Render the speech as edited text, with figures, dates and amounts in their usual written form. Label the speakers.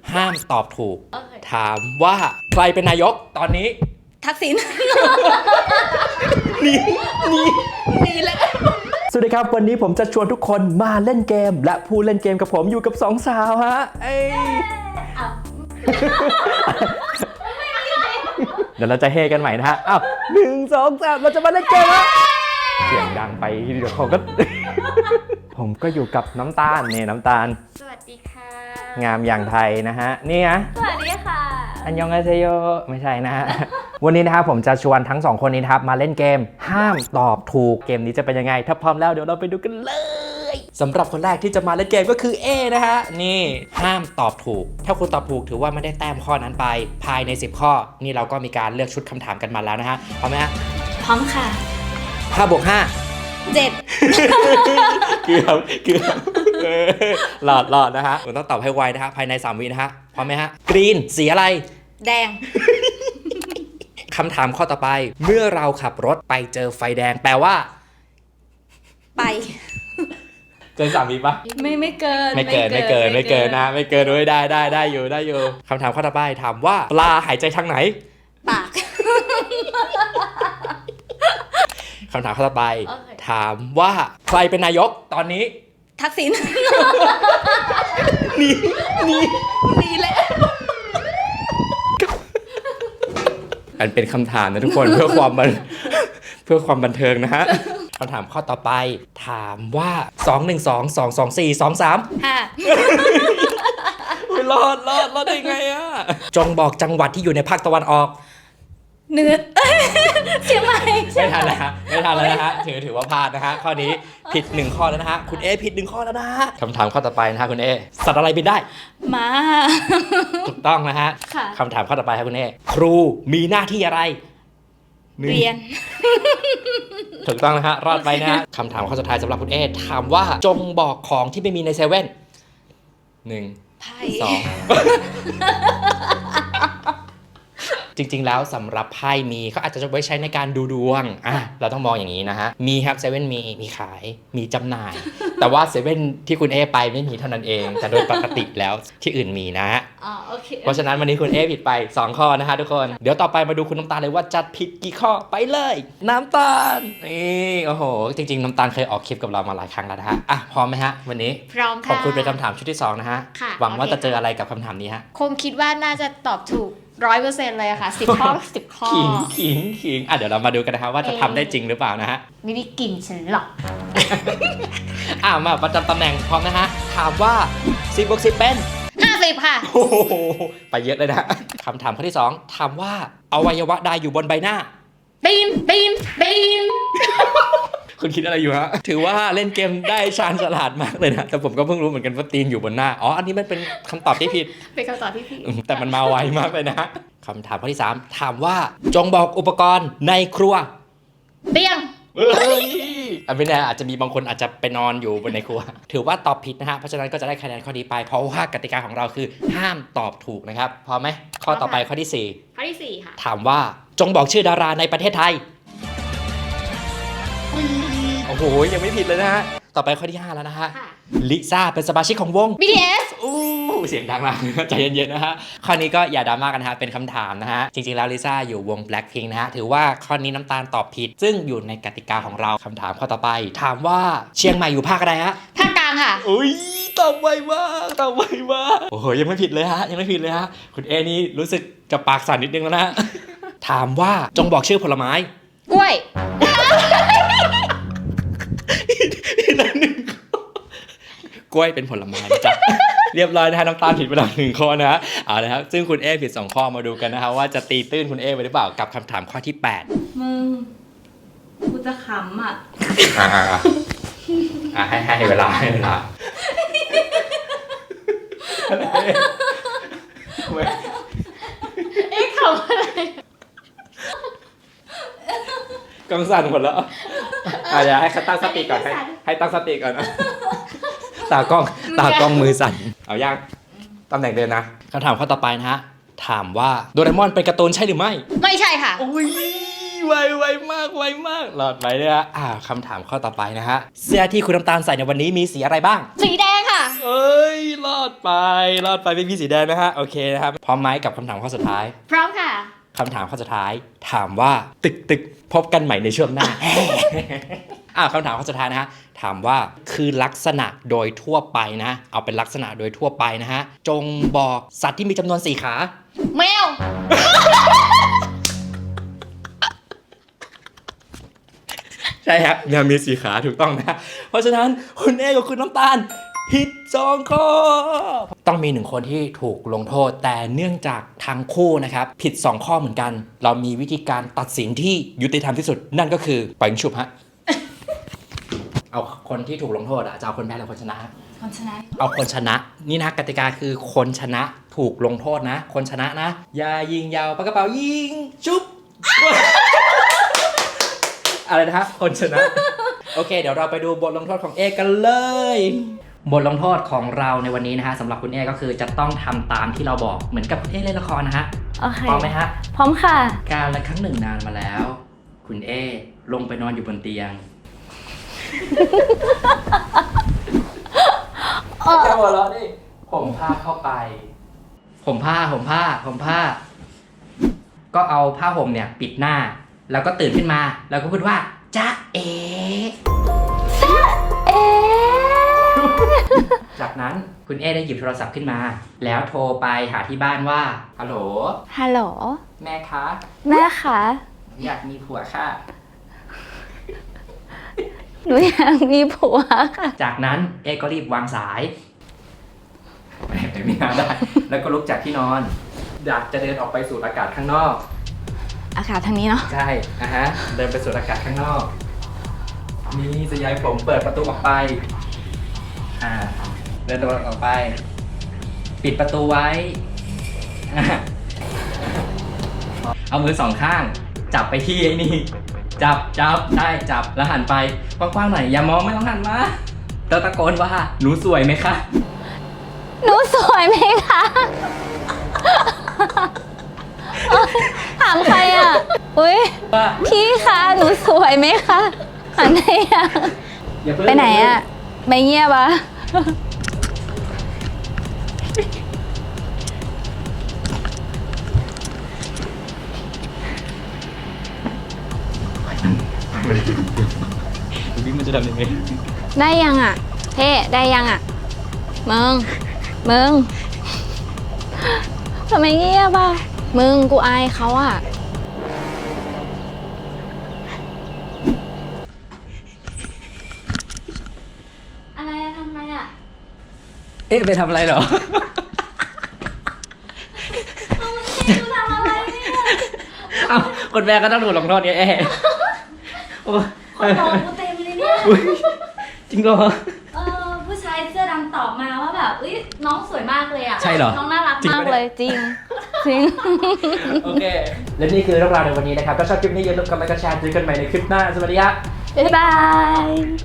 Speaker 1: ห้ามตอบถูกถามว่าใครเป็นนายกตอนนี้
Speaker 2: ทักษิณ
Speaker 1: นี่แหละ
Speaker 3: สวัสดีครับวันนี้ผมจะชวนทุกคนมาเล่นเกมและผู้เล่นเกมกับผมอยู่กับ2สาวฮะเดี๋ยวเราจะเฮกันใหม่นะฮะอ้าว1 2 3เราจะมาเล่นเกมแล้วเสียงดังไปเดี๋ยวผมก็ ผมก็อยู่กับน้ำตาลเนี่ยน้ำตาล
Speaker 2: สวัสดีค่ะ
Speaker 3: งามอย่างไทยนะฮะนี่นะ
Speaker 2: สวัสดีค่ะ
Speaker 3: อันยองอาเซโยไม่ใช่นะฮะ วันนี้นะครับผมจะชวนทั้ง2คนนี้นะครับมาเล่นเกมห้ามตอบถูกเกมนี้จะเป็นยังไงถ้าพร้อมแล้วเดี๋ยวเราไปดูกันเลยสำหรับคนแรกที่จะมาเล่นเกมก็คือ A นะฮะนี่ห้ามตอบถูกถ้าคุณตอบถูกถือว่าไม่ได้แต้มข้อนั้นไปภายใน10ข้อนี่เราก็มีการเลือกชุดคำถามกันมาแล้วนะฮะพร้อมไหมฮะ
Speaker 2: พร้อมค่ะ
Speaker 3: 5 บวก 5
Speaker 2: 7
Speaker 3: เกือบหลอดนะฮะคุณต้องตอบให้ไวนะฮะภายใน3 วินะฮะพร้อมไหมฮะกรีนสีอะไร
Speaker 2: แดง
Speaker 3: คำถามข้อต่อไปเมื่อเราขับรถไปเจอไฟแดงแปลว่า
Speaker 2: ไป
Speaker 3: เกิน3 วิปะ
Speaker 2: ไม่เกิน
Speaker 3: ไม่เกินนะไม่เกินด้วยได้อยู่คำถามข้อต่อไปถามว่าปลาหายใจทางไหน
Speaker 2: ปาก
Speaker 3: คำถามข้อต่อไป
Speaker 2: โอเค
Speaker 3: ถามว่าใครเป็นนายกตอนนี้
Speaker 2: ทักษิณ
Speaker 3: นี่แหละอันเป็นคำถามนะทุกคน เพื่อความบันเทิงนะฮะคำถามข้อต่อไปถามว่า2 1 2 2 2 4 2 3
Speaker 2: 5
Speaker 3: รอดได้ไงอ่ะจงบอกจังหวัดที่อยู่ในภาคตะวันออก
Speaker 2: เหนือ เชียงใหม่
Speaker 3: ไม่ทันแล้วนะฮะถือว่าพลาดนะฮะข้อนี้ผิด1ข้อแล้วนะฮะคุณเอผิด1ข้อแล้วนะฮะคำถามข้อต่อไปนะฮะคุณเอสัตว์อะไรบินได้
Speaker 2: มา
Speaker 3: ถูกต้องนะฮะ
Speaker 2: ค่ะ
Speaker 3: คำถามข้อต่อไปครับคุณเอครูมีหน้าที่อะไร
Speaker 2: เรียน
Speaker 3: ถูกต้องนะฮะรอดไปนะฮะคำถามข้อสุดท้ายสำหรับคุณเอถามว่าจงบอกของที่ไม่มีในเซเว่น1
Speaker 2: ไพ่
Speaker 3: 2 จริงๆแล้วสำหรับไพ่มีเขาอาจจะไว้ใช้ในการดูดวงเราต้องมองอย่างนี้นะฮะมีครับเซเว่นมีขายมีจำหน่าย แต่ว่าเซเว่นที่คุณเอไปไม่มีเท่านั้นเองแต่โดยปกติแล้วที่อื่นมีนะฮะ
Speaker 2: อ๋อโอเค
Speaker 3: เพราะฉะนั้นวันนี้คุณเอผิดไป2ข้อนะฮะทุกคนเดี๋ยวต่อไปมาดูคุณน้ำตาลเลยว่าจัดผิดกี่ข้อไปเลยน้ำตาลนี่โอ้โหจริงๆน้ำตาลเคยออกคลิปกับเรามาหลายครั้งแล้วนะฮะพร้อมไหมฮะวันนี้
Speaker 2: พร้อมค่ะ
Speaker 3: ขอบคุณเป็นคำถามชุดที่2นะฮะ
Speaker 2: ค่ะ
Speaker 3: หวังว่า
Speaker 2: โอเค
Speaker 3: จะเจออะไรกับคำถามนี้ฮะ
Speaker 2: คงคิดว่าน่าจะตอบถูก 100% เลยอะค่ะ10 ข้อ 10 ข้อ
Speaker 3: ขิงเดี๋ยวเรามาดูกันนะครับว่าจะทำได้จริงหรือเปล่านะฮะ
Speaker 2: ไม่ได้กลิ่นฉันหรอก
Speaker 3: มาประจำตำแหน่งพร้อมนะฮะถามว่า10 บวก 10เป็น
Speaker 2: 50 ค่ะ
Speaker 3: โอ้โหไปเยอะเลยนะคำถามข้อที่2ถามว่าอวัยวะใดอยู่บนใบหน้า
Speaker 2: ตีน
Speaker 3: คุณคิดอะไรอยู่ฮะถือว่าเล่นเกมได้ชาญฉลาดมากเลยนะแต่ผมก็เพิ่งรู้เหมือนกันว่าตีนอยู่บนหน้าอันนี้มันเป็นคำตอบที่ผิด
Speaker 2: เป็นคำตอบที่ผิด
Speaker 3: แต่มันมาไวมากเลยนะคำถามข้อที่3ถามว่าจงบอกอุปกรณ์ในครัว
Speaker 2: เตียง
Speaker 3: ไม่แน่อาจจะมีบางคนอาจจะไปนอนอยู่บนในครัว ถือว่าตอบผิดนะฮะเพราะฉะนั้นก็จะได้คะแนนข้อนี้ไปเพราะว่ากติกาของเราคือห้ามตอบถูกนะครับพร้อมไหมข้อต่อไปข้อที่
Speaker 2: ข้อที่ 4 ค่ะ
Speaker 3: 4ถามว่าจงบอกชื่อดาราในประเทศไทยโอ้โหยังไม่ผิดเลยนะฮะต่อไปข้อที่5แล้วนะฮะ
Speaker 2: ค่ะ
Speaker 3: ลิซ่าเป็นสมาชิกของวง
Speaker 2: BTS
Speaker 3: เสียงดังมาก ใจเย็นๆนะฮะข้อนี้ก็อย่าดราม่ากันนะฮะเป็นคำถามนะฮะจริงๆแล้วลิซ่าอยู่วง Blackpink นะฮะถือว่าข้อนี้น้ำตาลตอบผิด ซึ่งอยู่ในกติกาของเราคำถามข้อต่อไปถามว่าเชียงใหม่อยู่ภาคอะไรฮะ
Speaker 2: ภาคกลางค่ะ
Speaker 3: อุ้ยตอบไวมากโอ้โหยังไม่ผิดเลยฮะคุณเอนี่รู้สึกจะปากสั่นนิดนึงแล้วนะ ถามว่าจงบอกชื่อผลไม้
Speaker 2: กล้วย
Speaker 3: กล้วยเป็นผลไม้นะจ๊ะ เรียบร้อยนะฮะน้ำตาลผิดไปแล้ว1ข้อนะฮะเอาละครับซึ่งคุณเอผิด2ข้อมาดูกันนะฮะว่าจะตีตื้นคุณเอไปหรือเปล่ากับคำถามข้อที่8
Speaker 2: มึง กูจะขำอ่ะ
Speaker 3: ให้เวลา
Speaker 2: ขำอะไร
Speaker 3: กำสั่นหมดแล้วเดี๋ยวให้ตั้งสติก่อนให้ตั้งสติก่อนนะตากล้องมือสั่นเอาย่างตำแหน่งเดินนะคำถามข้อต่อไปนะฮะถามว่าโดเรมอนเป็นการ์ตูนใช่หรือไม่
Speaker 2: ไม่ใช่ค่ะ
Speaker 3: อุ้ย
Speaker 1: ไวมากหลอดไปเลยฮะคำถามข้อต่อไปนะฮะเสื้อที่คุณน้ำตาลใส่ในวันนี้มีสีอะไรบ้าง
Speaker 2: สีแดงค่ะ
Speaker 1: เอ้ยรอดไปไม่มีสีแดงนะฮะโอเคนะครับพร้อมไหมกับคำถามข้อสุดท้าย
Speaker 2: พร้อมค่ะ
Speaker 1: คำถามข้อสุดท้ายถามว่าตึกพบกันใหม่ในช่วงหน้า คำถามข้อสุดท้ายนะฮะถามว่าคือลักษณะโดยทั่วไปนะเอาเป็นลักษณะโดยทั่วไปนะฮะจงบอกสัตว์ที่มีจำนวน4ขา
Speaker 2: แมว
Speaker 1: ใช่ครับแมวมี4ขาถูกต้องนะเพราะฉะนั้นคุณเอกับคุณน้ำตาลผิด2ข้อต้องมี1คนที่ถูกลงโทษแต่เนื่องจากทั้งคู่นะครับผิด2ข้อเหมือนกันเรามีวิธีการตัดสินที่ยุติธรรมที่สุดนั่นก็คือปล่อยฉุบฮะ เอาคนที่ถูกลงโทษจะเอาคนแพ้หรือคนชนะ
Speaker 2: คนชนะ
Speaker 1: เอาคนชนะนี่นะกติกาคือคนชนะถูกลงโทษนะคนชนะนะอย่ายิงยาวปากกระเป๋ายิงชุบ อะไรนะฮะคนชนะ โอเคเดี๋ยวเราไปดูบทลงโทษของเอกันเลยบทลงโทษของเราในวันนี้นะฮะสำหรับคุณเอก็คือจะต้องทำตามที่เราบอกเหมือนกับคุณเอเล่นละครนะฮะ
Speaker 2: โอเค
Speaker 1: พร้อมไหมฮะ
Speaker 2: พร้อมค่ะ
Speaker 1: การละครั้งหนึ่งนานมาแล้ว คุณเอลงไปนอนอยู่บนเตียงจะหัวเราะดิผมผ้าเข้าไปผมผ้าก็เอาผ้าห่มเนี่ยปิดหน้าแล้วก็ตื่นขึ้นมาแล้วก็พูดว่าจ๊ะเอ จากนั้นคุณเอได้หยิบโทรศัพท์ขึ้นมา แล้วโทรไปหาที่บ้านว่าฮัลโหล
Speaker 2: ฮัลโหล
Speaker 1: แม่คะ
Speaker 2: แม่คะ
Speaker 1: อยากมีผัวค่ะ
Speaker 2: หนูอยากมีผัวค่ะ
Speaker 1: จากนั้นเอก็รีบวางสายไม่น่าได้ แล้วก็ลุกจากที่นอน อยากจะเดินออกไปสูดอากาศข้างนอก
Speaker 2: อากาศทางนี้เนาะ
Speaker 1: ใช่เดินไปสูดอากาศข้างนอก มีสยายผมเปิดประตูออกไป เดินตัวออกไป ปิดประตูไว้ เอามือ2ข้าง จับไปที่ไอ้นี่ จับใช่จับแล้วหันไปกว้างๆหน่อยอย่ามองไม่ต้องหันมาแล้วตะโกนว่าหนูสวยไหมคะ
Speaker 2: หนูสวยไหมคะถามใครอ่ะอุ้ย
Speaker 1: ว่า
Speaker 2: พี่คะหนูสวยไหมคะหันไปอ่ะ
Speaker 1: อย่าเพิ่ง
Speaker 2: ไปไหนอ่ะไม่เงียบอ่ะ
Speaker 1: บิ๊กมันจะทำยังไง
Speaker 2: ได้ยังอ่ะเท่ได้ยังอ่ะมึงทำไมเงียบอ่ะมึงกูอายเขาอ่ะอะไรอะทำอะไรอ่ะ
Speaker 1: เอ๊ะไปทำอะไรเหรอ
Speaker 2: กูทำอะไรเนี่ย
Speaker 1: เอ้าคนแม่ก็ต้องถูกลงโทษไงเอ๊ะโอ้
Speaker 4: คนมองกูเต็มเลยเนี่ย
Speaker 1: อุ๊ยจริงเหรอ
Speaker 4: ผู้ชายเสื้อดำตอบมาว่าแบบอุ้ยน้องสวยมากเลยอ่ะ
Speaker 1: ใช่เหรอ
Speaker 4: น้องน่ารัก
Speaker 1: จริง
Speaker 4: มาก
Speaker 1: ปะ
Speaker 4: เลย
Speaker 2: จริงจริง
Speaker 1: โอเค และนี่คือเรื่องราวในวันนี้นะครับถ้าชอบคลิปนี้อย่าลืมกดไลค์กดแชร์เจอกันใหม่ในคลิปหน้า สวัสดีครับ
Speaker 2: บ๊ายบาย